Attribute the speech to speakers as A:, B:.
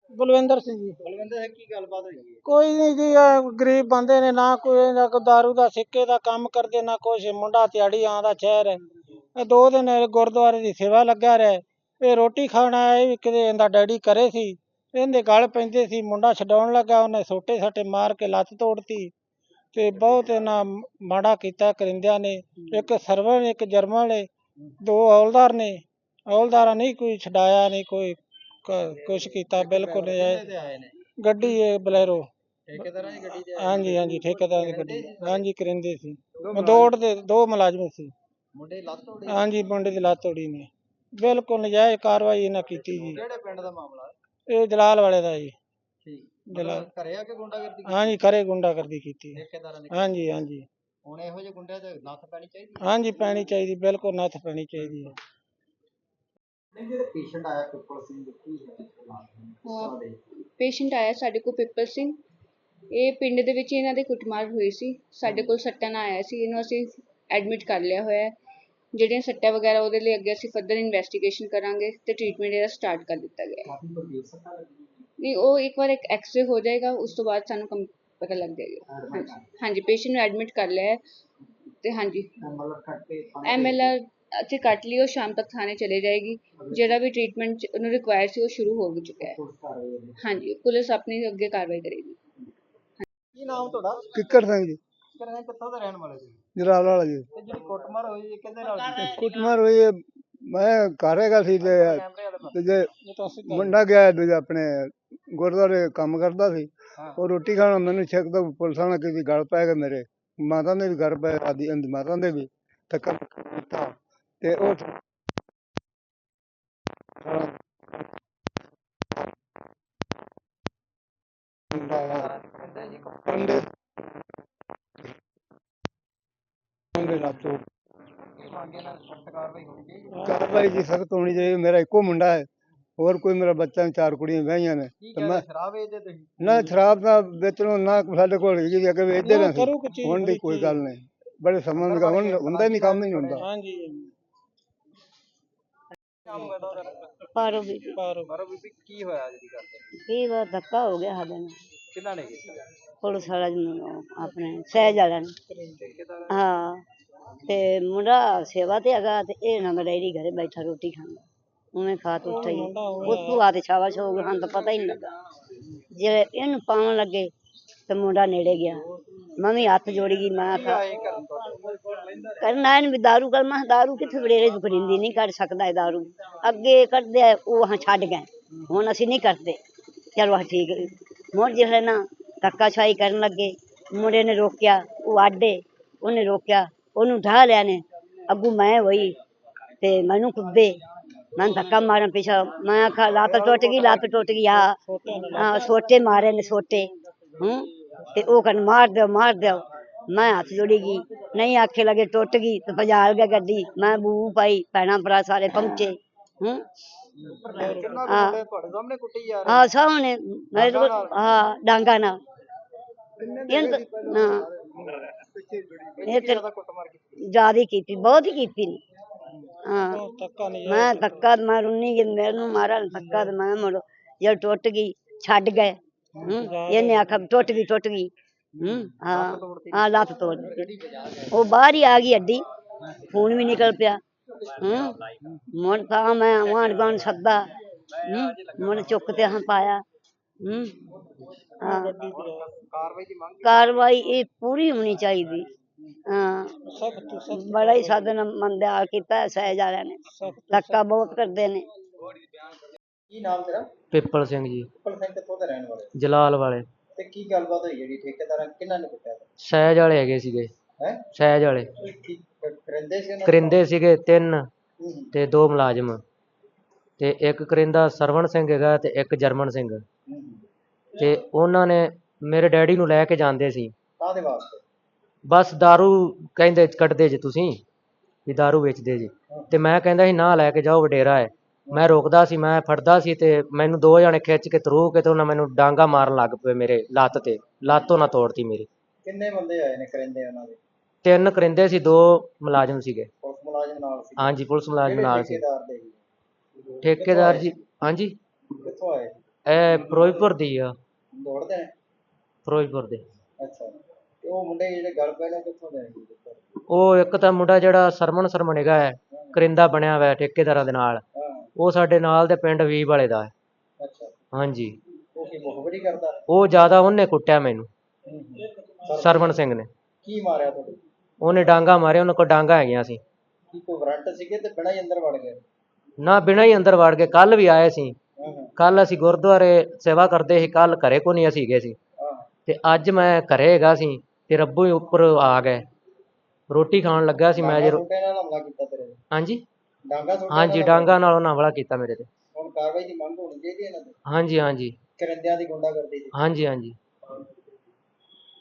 A: ਬਲਵਿੰਦਰ ਸਿੰਘ ਜੀ।
B: ਬਲਵਿੰਦਰ ਸਿੰਘ ਕੀ ਗੱਲਬਾਤ ਹੋਈ ਹੈ?
A: ਕੋਈ ਨਹੀਂ ਜੀ, ਗਰੀਬ ਬੰਦੇ ਨੇ, ਨਾ ਕੋਈ ਨਾ ਕੋਈ ਦਾਰੂ ਦਾ ਸਿੱਕੇ ਦਾ ਕੰਮ ਕਰਦੇ, ਨਾ ਕੁਛ। ਮੁੰਡਾ ਦਿਹਾੜੀ ਆਉਂਦਾ ਸ਼ਹਿਰ ਹੈ। ਇਹ 2 ਦਿਨ ਗੁਰਦੁਆਰੇ ਦੀ ਸੇਵਾ ਲੱਗਿਆ ਰਿਹਾ। ਇਹ ਰੋਟੀ ਖਾਣ ਆਇਆ, ਇਹ ਵੀ ਕਿਤੇ ਇਹਦਾ ਡੈਡੀ ਘਰੇ ਸੀ, ਇਹਦੇ ਗਲ ਪੈਂਦੇ ਸੀ। ਮੁੰਡਾ ਛਡਾਉਣ ਲੱਗਾ, ਉਹਨੇ ਸੋਟੇ ਸਾਟੇ ਮਾਰ ਕੇ ਲੱਤ ਤੋੜਤੀ ਤੇ ਬਹੁਤ ਇਹਨਾਂ ਮਾੜਾ ਕੀਤਾ ਕਰਿੰਦਿਆਂ ਨੇ। ਇੱਕ ਸਰਵਰ ਇੱਕ ਜਰਮਨ ਨੇ, 2 ਹੌਲਦਾਰ ਨੇ। ਹੌਲਦਾਰਾਂ ਨਹੀਂ ਕੋਈ ਛਡਾਇਆ, ਨਹੀਂ ਕੋਈ ਕੁਛ ਕੀਤਾ, ਬਿਲਕੁਲ ਨਜਾਇਜ਼।
B: ਤੇ ਆਏ ਨੇ
A: ਗੱਡੀ ਇਹ ਬਲੈਰੋ।
B: ਠੇਕੇਦਾਰਾਂ ਦੀ ਗੱਡੀ ਤੇ ਆਏ
A: ਹਾਂਜੀ ਹਾਂਜੀ, ਠੇਕੇਦਾਰ ਦੀ ਗੱਡੀ। ਹਾਂਜੀ, ਕਰਿੰਦੇ ਸੀ।
B: ਦੋ
A: ਦੌੜਦੇ 2 ਮੁਲਾਜ਼ਮ ਸੀ।
B: ਮੁੰਡੇ ਦੀ ਲੱਤ ਤੋੜੀ?
A: ਹਾਂਜੀ, ਮੁੰਡੇ ਦੀ ਲੱਤ ਤੋੜੀ ਨੇ। ਬਿਲਕੁਲ ਨਜਾਇਜ਼ ਕਾਰਵਾਈ ਇਹਨਾਂ ਕੀਤੀ ਜੀ।
B: ਕਿਹੜੇ ਪਿੰਡ ਦਾ ਮਾਮਲਾ ਹੈ?
A: ਇਹ ਜਲਾਲ ਵਾਲੇ ਦਾ ਜੀ।
B: ਠੀਕ।
A: ਜਲਾਲ।
B: ਘਰੇ ਆ ਕੇ ਗੁੰਡਾਗਰਦੀ ਕੀਤੀ?
A: ਹਾਂਜੀ, ਘਰੇ ਗੁੰਡਾਗਰਦੀ ਕੀਤੀ।
B: ਠੇਕੇਦਾਰਾਂ ਨੇ?
A: ਹਾਂਜੀ ਹਾਂਜੀ
B: ਹੁਣ ਇਹੋ ਜਿਹੇ ਗੁੰਡਿਆਂ ਤੇ ਨੱਥ ਪੈਣੀ ਚਾਹੀਦੀ ਹੈ?
A: ਹਾਂਜੀ, ਪੈਣੀ ਚਾਹੀਦੀ, ਬਿਲਕੁਲ ਨੱਥ ਪੈਣੀ ਚਾਹੀਦੀ ਹੈ।
B: ਜਿਹੜੇ ਪੇਸ਼ੈਂਟ ਆਇਆ ਪਿੱਪਲ ਸਿੰਘ ਕੀ ਹੈ?
C: ਪੇਸ਼ੈਂਟ ਆਇਆ ਸਾਡੇ ਕੋਲ ਪਿੱਪਲ ਸਿੰਘ। ਇਹ ਪਿੰਡ ਦੇ ਵਿੱਚ ਇਹਨਾਂ ਦੇ ਕੁੱਟਮਾਰ ਹੋਈ ਸੀ। ਸਾਡੇ ਕੋਲ ਸੱਟਾਂ ਨਾਲ ਆਇਆ ਸੀ, ਇਹਨੂੰ ਅਸੀਂ ਐਡਮਿਟ ਕਰ ਲਿਆ ਹੋਇਆ ਹੈ। ਜਿਹੜੀਆਂ ਸੱਟਾਂ ਵਗੈਰਾ ਉਹਦੇ ਲਈ ਅੱਗੇ ਅਸੀਂ ਫਰਦਰ ਇਨਵੈਸਟੀਗੇਸ਼ਨ ਕਰਾਂਗੇ ਤੇ ਟ੍ਰੀਟਮੈਂਟ ਇਹਦਾ ਸਟਾਰਟ ਕਰ ਦਿੱਤਾ ਗਿਆ ਹੈ। ਨਹੀਂ, ਉਹ ਇੱਕ ਵਾਰ ਇੱਕ ਐਕਸਰੇ ਹੋ ਜਾਏਗਾ, ਉਸ ਤੋਂ ਬਾਅਦ ਸਾਨੂੰ ਪਤਾ ਲੱਗ ਜਾਏਗਾ। ਹਾਂਜੀ ਹਾਂਜੀ, ਪੇਸ਼ੈਂਟ ਨੂੰ ਐਡਮਿਟ ਕਰ ਲਿਆ ਹੈ ਤੇ ਹਾਂਜੀ MLR ਅਸੀਂ ਕੱਟ ਲਈ, ਉਹ ਸ਼ਾਮ ਤੱਕ ਥਾਣੇ ਚਲੇ ਜਾਏਗੀ। ਜਿਹੜਾ ਵੀ ਟ੍ਰੀਟਮੈਂਟ ਉਹਨੂੰ ਰਿਕੁਆਇਰ ਸੀ ਉਹ ਸ਼ੁਰੂ ਹੋ ਚੁੱਕਾ ਹੈ। ਹਾਂਜੀ, ਪੁਲਿਸ ਆਪਣੀ ਅੱਗੇ ਕਾਰਵਾਈ ਕਰੇਗੀ।
B: ਕੀ ਨਾਮ ਤੁਹਾਡਾ?
A: ਕਿੱਕਰ ਸਿੰਘ ਜੀ।
B: ਕਿਹੜੇ ਕਿੱਥੋਂ ਦੇ ਰਹਿਣ ਵਾਲੇ ਜੀ?
A: ਜਲਾਲ ਵਾਲਾ ਜੀ।
B: ਤੇ ਜਿਹੜੀ ਕੁੱਟਮਾਰ ਹੋਈ ਇਹ ਕਿਹਦੇ ਨਾਲ ਕੀਤੀ?
A: ਕੁੱਟਮਾਰ ਹੋਈ ਹੈ, ਮੈਂ ਘਰ ਹੈਗਾ ਸੀ ਤੇ ਜੇ ਮੁੰਡਾ ਗਿਆ ਦੂਜਾ ਆਪਣੇ ਗੁਰਦੁਆਰੇ ਕੰਮ ਕਰਦਾ ਸੀ। ਉਹ ਰੋਟੀ ਖਾਣਾ ਮੈਨੂੰ ਛਕਦਾ, ਪੁਲਿਸਾਂ ਨੇ ਕਿਸੇ ਗਲ ਪੈ ਗਏ ਮੇਰੇ। ਮਾਤਾ ਦੇ ਵੀ ਗਲ ਪਏ, ਆਦੀ ਮਾਤਾ ਦੇ ਵੀ ਧੱਕਾ ਦਿੱਤਾ ਤੇ ਉਹ ਕਾਰਵਾਈ ਜੀ ਸਖਤ ਹੋਣੀ ਚਾਹੀਦੀ। ਮੇਰਾ ਇੱਕੋ ਮੁੰਡਾ ਹੈ, ਹੋਰ ਕੋਈ ਮੇਰਾ ਬੱਚਾ ਨਹੀਂ, 4 ਕੁੜੀਆਂ ਵਿਆਹੀਆਂ ਨੇ।
B: ਸ਼ਰਾਬ ਵੇਚਦੇ ਤੁਸੀਂ?
A: ਨਾ ਸ਼ਰਾਬ ਦਾ ਵੇਚਣੋਂ ਨਾ ਸਾਡੇ ਕੋਲ ਹੈਗੀ ਵੀ, ਅੱਗੇ ਵੇਚਦੇ ਰਹੇ ਸੀ। ਹੁਣ ਦੀ ਕੋਈ ਗੱਲ ਨਹੀਂ, ਬੜੇ ਸਮਾਂ ਦਾ ਹੁਣ ਹੁੰਦਾ ਨਹੀਂ, ਕੰਮ ਹੀ ਨਹੀਂ ਹੁੰਦਾ। ਹਾਂਜੀ।
D: ਪਾਰੋ ਬੀਬੀ।
B: ਮਾਰੋ ਬੀਬੀ, ਕੀ ਹੋਇਆ ਅੱਜ ਦੀ ਗੱਲ ਤੇ?
D: ਕੀ ਵਾ ਧੱਕਾ ਹੋ ਗਿਆ ਸਾਡੇ ਨਾਲ।
B: ਕਿਹਨਾਂ ਨੇ ਕੀਤਾ?
D: ਪੁਲਿਸ ਵਾਲਾ ਆਪਣੇ ਸਹਿਜ ਵਾਲਿਆਂ ਨੇ। ਹਾਂ, ਤੇ ਮੁੰਡਾ ਸੇਵਾ ਤੇ ਹੈਗਾ ਤੇ ਇਹ ਨਾ ਡੈਡੀ ਘਰੇ ਬੈਠਾ ਰੋਟੀ ਖਾਂਦਾ, ਉਵੇਂ ਖਾ ਤੋ ਉੱਠਾ ਹੀ ਉੱਥੋਂ ਆ ਤੇ ਸ਼ਾਬਾਸ਼ ਹੋ ਗਈ। ਸਾਨੂੰ ਤਾਂ ਪਤਾ ਹੀ ਨਹੀਂ ਲੱਗਾ। ਜੇ ਇਹਨੂੰ ਪਾਉਣ ਲੱਗੇ ਤੇ ਮੁੰਡਾ ਨੇੜੇ ਗਿਆ, ਮੈਂ ਵੀ ਹੱਥ ਜੋੜੀ ਗਈ। ਮੈਂ ਕਰਨਾ ਇਹਨੂੰ ਵੀ ਦਾਰੂ ਕਰ। ਮੈਂ ਦਾਰੂ ਕਿੱਥੇ ਵਡੇਰੇ ਦੁਕਰਿੰਦੀ ਨਹੀਂ ਕੱਢ ਸਕਦਾ ਇਹ ਦਾਰੂ। ਅੱਗੇ ਕੱਢਦੇ ਉਹ ਛੱਡ ਗਏ, ਹੁਣ ਅਸੀਂ ਨਹੀਂ ਕਰਦੇ। ਚਲੋ ਠੀਕ। ਮੁੜ ਜਿਹੜੇ ਨਾ ਧੱਕਾਸ਼ਾਹੀ ਕਰਨ ਲੱਗੇ, ਮੁੰਡੇ ਨੇ ਰੋਕਿਆ, ਉਹ ਆਡੇ ਉਹਨੇ ਰੋਕਿਆ, ਉਹਨੂੰ ਢਾਹ ਲਿਆ ਨੇ। ਅੱਗੂ ਮੈਂ ਹੋਈ ਤੇ ਮੈਨੂੰ ਕੁੱਦੇ, ਮੈਂ ਧੱਕਾ ਮਾਰਨ ਪਿੱਛਾ। ਮੈਂ ਆਖਾ ਲੱਤ ਟੁੱਟ ਗਈ, ਲੱਤ ਟੁੱਟ ਗਈ। ਹਾਂ, ਸੋਟੇ ਮਾਰੇ ਨੇ ਸੋਟੇ। ਤੇ ਉਹ ਕਹਿਣ ਮਾਰ ਦਿਓ ਮਾਰ ਦਿਓ। ਮੈਂ ਹੱਥ ਜੋੜੀ ਗਈ, ਨਹੀਂ ਆਖੇ ਲਗੇ ਟੁੱਟ ਗਈ ਤੇ ਭਜਾ ਗਿਆ ਗੱਡੀ। ਮੈਂ ਬੂ ਪਾਈ, ਭੈਣਾਂ ਭਰਾ ਸਾਰੇ ਪਹੁੰਚੇ। ਹਾਂ ਸਾਹਮਣੇ, ਹਾਂ ਡਾਂਗਾ ਨਾਲ। ਜਿਆਦਾ ਕੀਤੀ, ਬਹੁਤ ਹੀ ਕੀਤੀ ਨੇ। ਹਾਂ, ਮੈਂ ਧੱਕਾ ਮੈਂ ਰੁੰਨੀ ਗਈ, ਮੈਨੂੰ ਮਾਰਾ ਧੱਕਾ ਤੇ ਮੈਂ ਮੁੜ ਜਦ ਟੁੱਟ ਗਈ ਛੱਡ ਗਏ। ਇਹਨੇ ਆਖਿਆ ਟੁੱਟ ਗਈ ਟੁੱਟ ਗਈ। ਹਾਂ ਹਾਂ, ਲੱਤ ਤੋੜ ਦਿੱਤੀ। ਉਹ ਬਾਹਰ ਹੀ ਆ ਗਈ ਹੱਡੀ, ਖੂਨ ਵੀ ਨਿਕਲ ਪਿਆ। ਮੁੜ ਤਾਂ ਮੈਂ ਆਂਢ ਗੁਆਂਢ ਸੱਦਾ, ਮੁੜ ਚੁੱਕ ਤੇ ਪਾਇਆ। ਹਾਂ, ਕਾਰਵਾਈ ਇਹ ਪੂਰੀ ਹੋਣੀ ਚਾਹੀਦੀ। ਹਾਂ, ਬੜਾ ਹੀ ਸਾਧਨ ਮੰਦਿਆਲ ਕੀਤਾ ਸਹਿਜ ਵਾਲਿਆਂ ਨੇ, ਧੱਕਾ ਬਹੁਤ ਕਰਦੇ ਨੇ।
B: ਕੀ ਨਾਮ ਤੇਰਾ?
E: ਪਿੱਪਲ ਸਿੰਘ ਜੀ।
B: ਪਿੱਪਲ ਸਿੰਘ ਕਿੱਥੋਂ ਦੇ ਰਹਿਣ ਵਾਲੇ?
E: ਜਲਾਲ ਵਾਲੇ।
B: ਤੇ ਕੀ ਗੱਲਬਾਤ ਹੋਈ ਜਿਹੜੀ ਠੇਕੇਦਾਰਾਂ ਕਿਹਨਾਂ ਨੇ ਕੁੱਟਿਆ?
E: ਸਹਿਜ ਵਾਲੇ ਹੈਗੇ ਸੀਗੇ। ਸਹਿਜ ਵਾਲੇ
B: ਕਰਿੰਦੇ
E: ਸੀਗੇ 3 ਤੇ 2 ਮੁਲਾਜ਼ਮ, ਤੇ ਇੱਕ ਕਰਿੰਦਾ ਸਰਵਣ ਸਿੰਘ ਹੈਗਾ ਤੇ ਇੱਕ ਜਰਮਨ ਸਿੰਘ। ਤੇ ਉਹਨਾਂ ਨੇ ਮੇਰੇ ਡੈਡੀ ਨੂੰ ਲੈ ਕੇ ਜਾਂਦੇ ਸੀ।
B: ਕਾਹਦੇ ਵਾਸਤੇ?
E: ਬਸ ਦਾਰੂ ਕਹਿੰਦੇ ਕੱਢਦੇ ਜੇ ਤੁਸੀਂ ਵੀ ਦਾਰੂ ਵੇਚਦੇ ਜੇ। ਤੇ ਮੈਂ ਕਹਿੰਦਾ ਸੀ ਨਾ ਲੈ ਕੇ ਜਾਓ, ਵਡੇਰਾ ਹੈ। ਮੈਂ ਰੋਕਦਾ ਸੀ, ਮੈਂ ਫੜਦਾ ਸੀ ਤੇ ਮੈਨੂੰ 2 ਜਣੇ ਖਿੱਚ ਕੇ ਤਰੂ ਕੇ ਤੇ ਉਹਨਾਂ ਮੈਨੂੰ ਡਾਂਗਾ ਮਾਰਨ ਲੱਗ ਪਏ ਮੇਰੇ ਲੱਤ ਤੇ। ਲੱਤ ਉਹਨਾਂ ਤੋੜਤੀ ਮੇਰੀ।
B: ਕਿੰਨੇ ਬੰਦੇ ਆਏ ਨੇ ਕਰਿੰਦੇ ਉਹਨਾਂ ਦੇ?
E: 3 ਕਰਿੰਦੇ ਸੀ, 2 ਮੁਲਾਜ਼ਮ ਸੀਗੇ।
B: ਪੁਲਿਸ ਮੁਲਾਜ਼ਮ ਨਾਲ ਸੀ?
E: ਹਾਂਜੀ, ਪੁਲਿਸ ਮੁਲਾਜ਼ਮ ਨਾਲ ਸੀ।
B: ਠੇਕੇਦਾਰ ਦੇ?
E: ਠੇਕੇਦਾਰ ਜੀ। ਹਾਂਜੀ,
B: ਕਿੱਥੋਂ ਆਏ?
E: ਇਹ ਫਿਰੋਜ਼ਪੁਰ ਦੀ ਆ,
B: ਦੌੜਦੇ ਨੇ?
E: ਫਿਰੋਜ਼ਪੁਰ ਦੇ।
B: ਅੱਛਾ, ਤੇ ਉਹ ਮੁੰਡੇ ਜਿਹੜੇ ਗੱਲ ਪਏ ਨੇ ਕਿੱਥੋਂ ਦੇ ਨੇ?
E: ਉਹ ਇੱਕ ਤਾਂ ਮੁੰਡਾ ਜਿਹੜਾ ਸਰਮਨ ਹੈਗਾ ਹੈ, ਕਰਿੰਦਾ ਬਣਿਆ ਹੋਇਆ ਠੇਕੇਦਾਰਾਂ ਦੇ ਨਾਲ,
B: ਹਾਂ।
E: ਉਹ ਸਾਡੇ ਨਾਲ ਦੇ ਪਿੰਡ ਵੀਹ ਵਾਲੇ ਦਾ ਹੈ।
B: ਅੱਛਾ,
E: ਹਾਂਜੀ,
B: ਉਹ ਕੀ ਮੁਖਬਰੀ ਕਰਦਾ?
E: ਉਹ ਜ਼ਿਆਦਾ ਉਹਨੇ ਕੁੱਟਿਆ ਮੈਨੂੰ, ਸਰਵਣ ਸਿੰਘ ਨੇ।
B: ਕੀ ਮਾਰਿਆ ਤੁਹਾਡੇ?
E: ਉਹਨੇ ਡਾਂਗਾ ਮਾਰਿਆ, ਉਹਨਾਂ ਕੋਲ ਡਾਂਗਾ ਹੈਗੀਆਂ ਸੀ।
B: ਕੀ ਕੋਈ ਵਾਰੰਟ ਸੀਗੇ ਤੇ ਬਿਨਾਂ ਹੀ ਅੰਦਰ ਵੜ ਗਏ?
E: ਨਾ ਬਿਨਾਂ ਹੀ ਅੰਦਰ ਵੜ ਗਏ। ਕੱਲ ਵੀ ਆਏ ਸੀ,
B: ਹਾਂ ਹਾਂ
E: ਕੱਲ ਅਸੀਂ ਗੁਰਦੁਆਰੇ ਸੇਵਾ ਕਰਦੇ ਸੀ, ਕੱਲ ਘਰੇ ਕੋ ਨਹੀਂ ਅਸੀਂ ਗਏ ਸੀ,
B: ਹਾਂ।
E: ਤੇ ਅੱਜ ਮੈਂ ਘਰੇ ਹੈਗਾ ਸੀ ਤੇ ਰੱਬੂ ਹੀ ਉੱਪਰ ਆ ਗਏ। ਰੋਟੀ ਖਾਣ ਲੱਗਾ ਸੀ ਮੈਂ
B: ਡਾਂਗਾ
E: ਜੇ।
B: ਸੁੱਟੇ ਨਾਲ ਹਮਲਾ ਕੀਤਾ ਤੇਰੇ ਤੇ?
E: ਹਾਂਜੀ
B: ਡਾਂਗਾ ਸੁੱਟੇ
E: ਹਾਂਜੀ,
B: ਨਾਲ
E: ਡਾਂਗਾ ਨਾਲ ਉਹਨਾਂ ਹਮਲਾ ਕੀਤਾ ਮੇਰੇ ਤੇ।
B: ਹੁਣ ਕਾਰਵਾਈ ਦੀ ਮੰਗ ਹੋਣੀ ਚਾਹੀਦੀ ਹੈ ਇਹਨਾਂ ਦੀ।
E: ਹਾਂਜੀ ਹਾਂਜੀ
B: ਕਰਿੰਦਿਆਂ ਦੀ ਗੁੰਡਾਗਰਦੀ ਦੀ।
E: ਹਾਂਜੀ ਹਾਂਜੀ।